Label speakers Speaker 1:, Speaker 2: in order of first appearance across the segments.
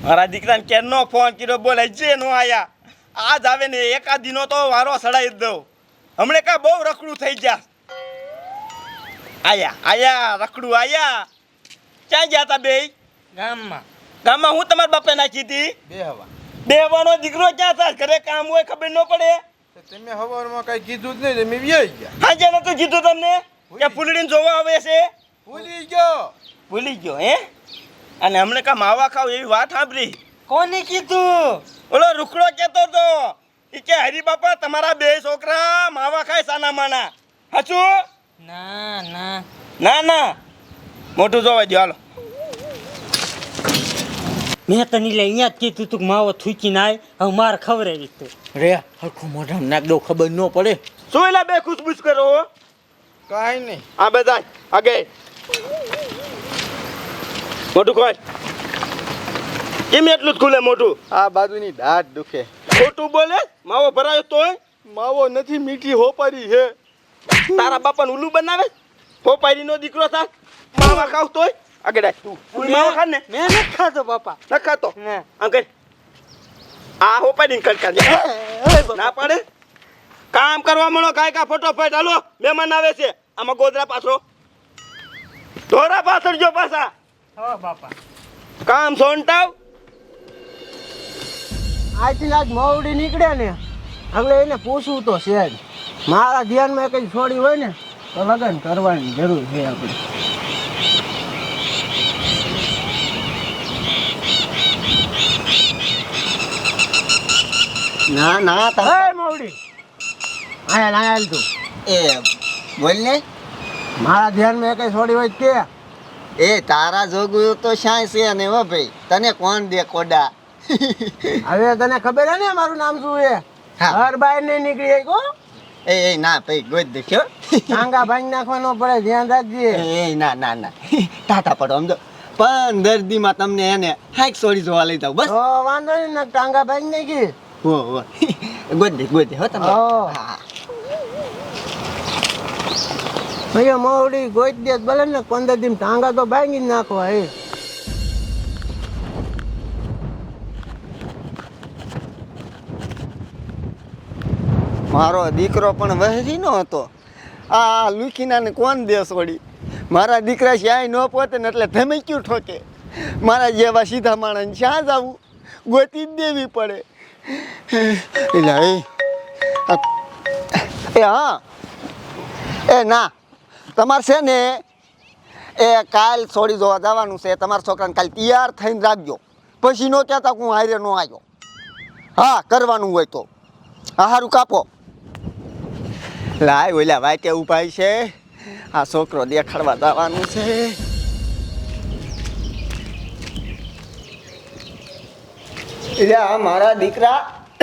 Speaker 1: મારા દીકરાને કેનો ફોન કર્યો બોલે જે નો આયા આજ આવે ને એકાદ દિનો તો વારો સડાઈ જ દઉં હમણે કા બહુ રખડું થઈ ગયા આયા રખડું આયા ક્યાં ગયા તા બે ગામમાં હું તમારા બાપે નાખી હતી બેહવાનો દીકરો ક્યાં થાય ઘરે કામ હોય ખબર ન પડે
Speaker 2: તમે હવારમાં કઈ કીધું જ નહીં તમે વ્યાઈ ગયા
Speaker 1: હાજે નતું કીધું તમને કે ફૂલડીને જોવા આવે છે
Speaker 2: ભૂલી
Speaker 1: ગયો હે અને હમણે કા માવા ખાવ એવી વાત સાંભળી
Speaker 3: કોને કીધું
Speaker 1: ઓલો રૂખડો કહેતો તો ઈ કે હરી બાપા તમારા બે છોકરા માવા ખાય સાના માના હાચું ના મોટું જોવા દો હાલો
Speaker 3: મેં તને લે અહીંયા જ કીધું તું માવો થૂકી નાય હવે માર ખવડાવી તું
Speaker 4: રે હરખું મોઢા નાખ દો ખબર ન પડે
Speaker 1: શું એલા બે ખુશબુશ કરો
Speaker 2: કાઈ નહીં
Speaker 1: આ બધા આગે મોટું ખોલ કેમ એટલું જ ખુલે મોટું
Speaker 2: આ બાજુની દાઢ દુખે
Speaker 1: ખોટું બોલે માવો ભરાયો તોય
Speaker 2: માવો નથી મીઠી હોપારી હે
Speaker 1: તારા બાપાને ઉલ્લુ બનાવે હોપારી નો દીકરો થા માવા ખાવ તોય આગળ આય તું માવા ખા ને
Speaker 3: મેં નથી ખાતો બાપા
Speaker 1: ન ખાતો અંકલ આ હોપારી કડકા દે ના પાડે કામ કરવા મળો કાય કા ફટોફટ હાલો મહેમાન આવે છે આમાં ગોદરા પાછો ધોરા પાછળ જો પાછા
Speaker 3: હો બાપા
Speaker 1: કામ સોંટાવ
Speaker 5: આજથી આજ મોવડી નીકળે ને એટલે એને પૂછવું તો છે જ મારા ધ્યાનમાં કંઈ છોડી હોય ને તો લગ્ન કરવાની જરૂર છે આપણે
Speaker 4: ના
Speaker 5: હે મોવડી આયા તું
Speaker 4: એ બોલ ને
Speaker 5: મારા ધ્યાનમાં કંઈ છોડી હોય કે
Speaker 4: એ તારા જોગું તો શાય છે ને હો ભાઈ તને કોણ દે કોડા
Speaker 5: હવે તને ખબર હે ને મારું નામ શું છે હર બાય નહીં નીકળી કો
Speaker 4: એ ના ભાઈ ગોદ દેખ્યો
Speaker 5: ટાંગા ભાંગી નાખવાનો પડે ધ્યાન રાખજે
Speaker 4: એ ના ટાટા પડો સમજો 15 દીમાં તમને એને હાઈક સોરી જોવા લઈ જાવ બસ
Speaker 5: તો વાંધો નહીં ને ટાંગા ભાંગી નાખી
Speaker 4: હો ગોદ દે હો તમે હા
Speaker 5: ભૈયા મોવડી ગોઈ દે ભલે ને 15 દિન ટાંગા તો ભાંગી જ નાખવા એ
Speaker 4: મારો દીકરો પણ વહેરી નો હતો આ લુખીનાને કોણ દે છોડી મારા દીકરા શ્યાય ન પોતે ને એટલે ધમક્યું ઠોકે મારા જેવા સીધા માણસ શ્યાં જવું ગોતી જ દેવી પડે એટલે એ હા એ ના તમારે છે ને એ કાલ છોડી જોવા જવાનું છે તમારા છોકરાને કાલ તૈયાર થઈને રાખજો પછી ન કહેતા હું હારે ન આવ્યો હા કરવાનું હોય તો હા સારું કાપો લાય ઓલા વાટે ઉભા છે આ છોકરો દેખાડવા જવાનું છે એટલે આ મારા દીકરા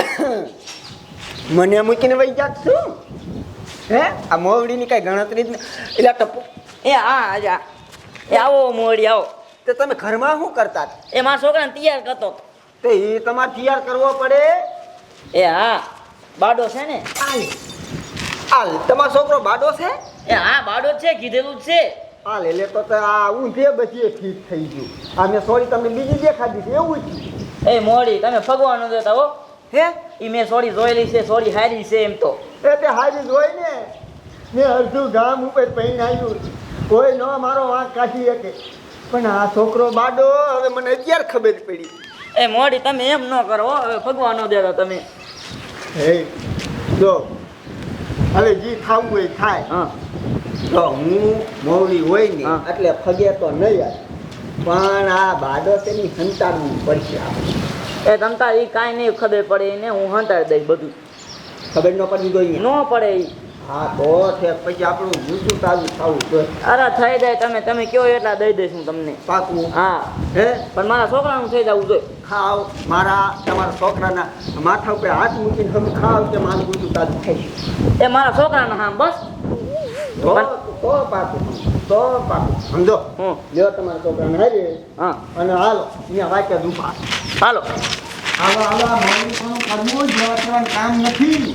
Speaker 4: મને મૂકીને વહી જાત છું હે આ મોવડીની કઈ ગણતરી જ એટલે ટપુ
Speaker 6: એ હા આજા એ આવો મોડી આવો
Speaker 4: તો તમે ઘરમાં શું કરતા
Speaker 6: એ મારા છોકરાને તૈયાર કરતો
Speaker 4: તો એ તમારે તૈયાર કરવો પડે
Speaker 6: એ હા બાડો છે ને
Speaker 4: હાલ તમારો છોકરો બાડો છે
Speaker 6: એ હા બાડો જ છે કીધેલું જ છે
Speaker 4: હાલ એટલે તો આ ઊંધે બચીએ ઠીક થઈ ગયું આ મેં સોરી તમને બીજી દેખાડી છે એવું જ
Speaker 6: એ મોડી તમે ભગવાન દેતા હો
Speaker 4: હે
Speaker 6: એ મેં સોરી જોયેલી છે સોરી હારી છે એમ તો
Speaker 4: એ તે હારી જોઈ ને મેં અડધું ગામ ઉપર પહેરીને આવ્યું કોઈ ન મારો વાંક કાઢી શકે પણ આ છોકરો બાડો હવે મને અત્યારે ખબર પડી
Speaker 6: એ મોડી તમે એમ ન કરો હો, હવે ભગવાન દેતા તમે
Speaker 4: હે જો હવે જી ખાવું હોય ખાય
Speaker 6: હા
Speaker 4: તો હું મોવડી હોય ને
Speaker 6: હા.
Speaker 4: એટલે ફગે તો નહીં આવે પણ આ બાડો તેની સંતાડવું પડશે આપણે
Speaker 6: એ તમતા એ કાંઈ નહીં ખબર પડે એને હું હંતાડી દઈશ બધું
Speaker 4: ખબર ન પડવી જોઈએ
Speaker 6: ન પડે ઈ.
Speaker 4: હા તો છે પછી આપણું જૂઠું તાજું ખાવું જોઈએ
Speaker 6: અરે થઈ જાય તમે કયો એટલા દઈ દઈશ હું તમને
Speaker 4: પાકું
Speaker 6: હા
Speaker 4: હે
Speaker 6: પણ મારા છોકરાનું થઈ જવું જોઈએ
Speaker 4: ખાવ મારા તમારા છોકરાના માથા ઉપર હાથ મૂકીને તમે ખાવ કે મારું જૂઠું તાજું થઈ
Speaker 6: એ મારા છોકરાનું હા બસ
Speaker 4: તો તો પાકું સમજો
Speaker 6: હું
Speaker 4: લ્યો તમારા છોકરાને હારે
Speaker 6: હા
Speaker 4: અને હાલો અહીંયા વાંચે દુપા
Speaker 6: હાલો
Speaker 4: આવા મોડું પણ કરવું જ જવાનું કામ નથી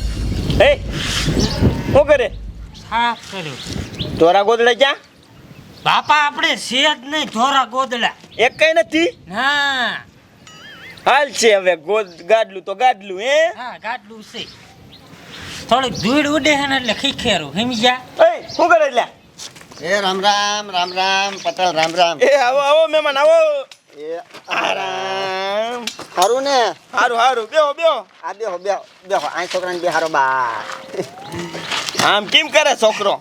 Speaker 1: એ શું કરે
Speaker 3: સાફ કર્યું
Speaker 1: તોરા ગોદડા ક્યાં
Speaker 3: બાપા આપણે છે જ નહીં ધોરા ગોદડા.
Speaker 1: એક કઈ નથી.
Speaker 3: ના
Speaker 1: હાલ છે હવે ગાડલું તો ગાડલું હે.
Speaker 3: હા ગાડલું છે. થોડીક ધૂળ ઉડે છે ને એટલે ખીખેરું સમજ્યા.
Speaker 1: એ શું કરે એટલે?
Speaker 4: એ રામ રામ રામ રામ પટેલ રામ રામ.
Speaker 1: એ આવો આવો મહેમાન આવો.
Speaker 4: એ
Speaker 1: આરામ.
Speaker 4: સારું ને?
Speaker 1: હારું હારું બેહો બેહો.
Speaker 4: આ બેહો બેહો બેહો આ છોકરાને બેહારો બા.
Speaker 1: આમ કેમ કરે છોકરો?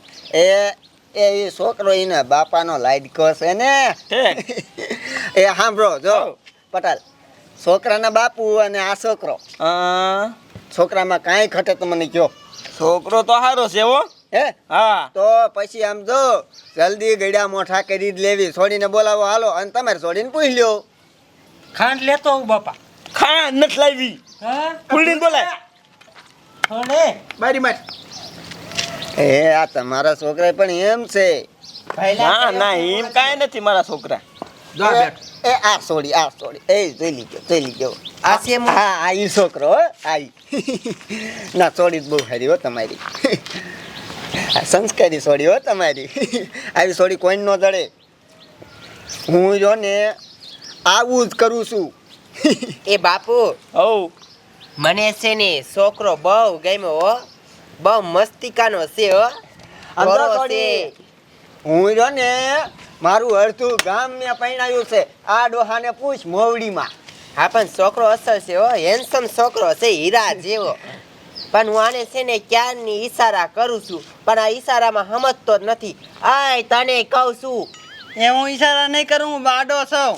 Speaker 4: એ છોકરો એના બાપાનો લાડકો છે ને.
Speaker 1: હે
Speaker 4: એ સાંભળો જો પટેલ, છોકરાના બાપુ અને આ છોકરો, છોકરામાં કાંઈ ઘટે તો મને કહો.
Speaker 1: છોકરો તો સારો છે હો.
Speaker 4: હે
Speaker 1: હા
Speaker 4: તો પછી આમ જો જલ્દી ગળ્યા મોઠા કરી જ લેવી. છોડીને બોલાવો હાલો અને તમારે છોડીને પૂછ લ્યો.
Speaker 3: ખાંડ લેતો આવું બાપા.
Speaker 1: ખાંડ નથી લાવી.
Speaker 3: હા
Speaker 1: ફૂલડીને બોલાય.
Speaker 3: થોડે
Speaker 2: બારી માર.
Speaker 4: એ આ તમારા છોકરા પણ એમ છે.
Speaker 1: ના ના એમ કાંઈ નથી મારા છોકરા.
Speaker 2: જા બેઠ.
Speaker 4: એ આ છોડી એ જોઈ લીધો આ છે. હા આ ઈ છોકરો હો આ ના છોડી બહુ સારી હો તમારી. આ સંસ્કારી છોડી હો તમારી. આવી છોડી કોઈ ન જડે. હું જો ને આવું જ કરું છું.
Speaker 7: એ બાપુ
Speaker 1: હવ
Speaker 7: મને છે ને છોકરો બહુ ગમ્યો હો, બહુ મસ્તિકાનો છે હો.
Speaker 4: અંદર
Speaker 7: ગોરો
Speaker 4: છોડી.
Speaker 7: છે.
Speaker 4: હું જો ને મારું અડધું ગામ મેં પૈણાયું છે. આ ડોહાને પૂછ મોવડીમાં.
Speaker 7: હા પણ છોકરો અસર છે હો, હેન્ડસમ છોકરો છે, હીરા જેવો. પણ હું આને છે ને ક્યારની ઈશારા કરું છું, પણ આ ઈશારામાં સમજતો જ નથી. આય તને કહું છું.
Speaker 5: એ હું ઈશારા નહીં કરું, હું બાડો છું.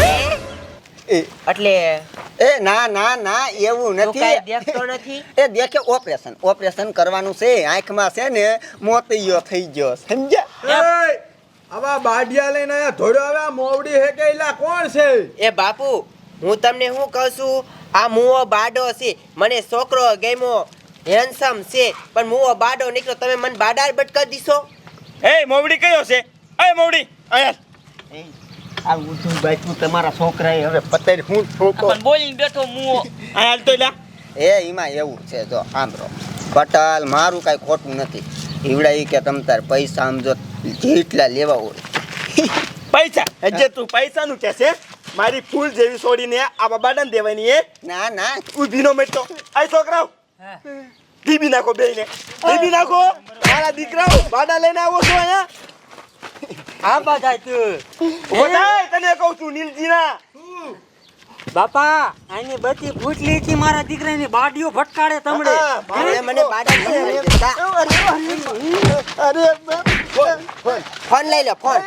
Speaker 4: એ
Speaker 7: એટલે
Speaker 4: ના ના ના એવું
Speaker 7: તું કાંઈ
Speaker 4: નથી.
Speaker 7: દેખતો નથી.
Speaker 4: એ દેખે ઓપરેશન કરવાનું છે. આંખમાં છે ને મોતિયો થઈ ગયો સમજ્યા.
Speaker 2: એ આવા બાડિયા લઈને આયા ધોડ્યો આવે. આ મોવડી હે કે એલા કોણ છે?
Speaker 7: એ બાપુ હું તમને શું કહું છું, આ મુવો બાડો છે. મને છોકરો ગમ્યો, હેન્ડસમ છે, પણ મુવો બાડો નીકળ્યો. તમે મને બાડા બટકા દીશો?
Speaker 1: એ મોવડી કયો છે? એ મોવડી અહીંયા
Speaker 4: આ ઊંધું બાજુ તમારા છોકરાએ હવે પતેર હું ઠોકો.
Speaker 6: પણ બોલીને બેઠો મુઓ.
Speaker 1: અહીંયા હાલ તો લ્યા.
Speaker 4: એમાં એવું છે જો સાંભળો પટેલ, મારું કાંઈ ખોટું નથી. ઈવડા ઈ કે તમ તાર પૈસા આમ જો જેટલા લેવા હોય.
Speaker 1: પૈસા હજે તું પૈસાનું કે છે? મારી ફૂલ જેવી છોડીને આ બાબાને દેવાની એ
Speaker 4: ના ના
Speaker 1: ઊભી નો મેટતો. આ છોકરાઓ દીબી નાખો બેયને. દીબી નાખો. મારા દીકરાઓ બાડા લઈને આવો છો અહીંયા.
Speaker 3: હા બાધા તું
Speaker 1: ઓડાય તને કહું છું નીલજીના.
Speaker 3: બાપા આની બધી ફૂટલી થી મારા દીકરાની બાડીઓ ફટકાડે તમડે.
Speaker 7: તમે મને બાડા નથી દેતા.
Speaker 4: અરે
Speaker 7: ફોન લઈ લો, ફોન.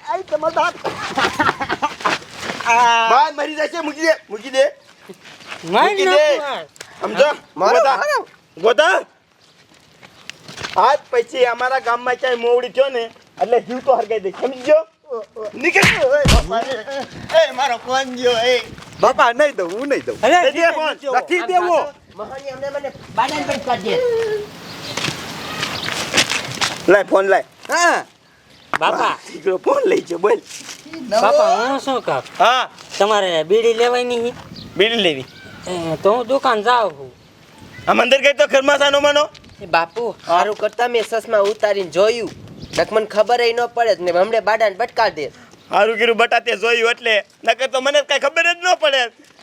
Speaker 1: બાદ મરી જશે. મૂકી દે
Speaker 3: મારી
Speaker 1: મૂકી દે.
Speaker 3: નાખું.
Speaker 1: સમજો ગોતા ગોતા. આજ પછી અમારા ગામમાં ક્યાંય મોવડી થયો ને એટલે જીવ તો હરગાઈ દે. સમજો નીકળ.
Speaker 4: એ મારો ફોન ગયો. એ
Speaker 1: બાપા નહીં દઉં, હું નહીં દઉં.
Speaker 3: અરે,
Speaker 1: દે દે ફોન. નથી દેવો.
Speaker 7: મહાની અમને મને બાડા બટકા દે.
Speaker 1: લાય ફોન લાય.
Speaker 4: હા
Speaker 3: બાપા
Speaker 1: દીકરો ફોન લઈ જો બોલ.
Speaker 3: બાપા હું શું કહું,
Speaker 1: હા
Speaker 3: તમારે બીડી લેવાની છે?
Speaker 1: બીડી લેવી.
Speaker 3: તો હું દુકાન જાઉં છું.
Speaker 1: આમ અંદર ગઈ તો ઘરમાં સાનો માનો.
Speaker 7: એ બાપુ સારું કરતા મેં સસમાં ઉતારીને જોયું, નક મને ખબર ન પડે ને હમણે બાડા બટકા દે.
Speaker 1: હારું કીધું બટાતે જોયું એટલે નકર તો મને કઈ ખબર જ ન પડે.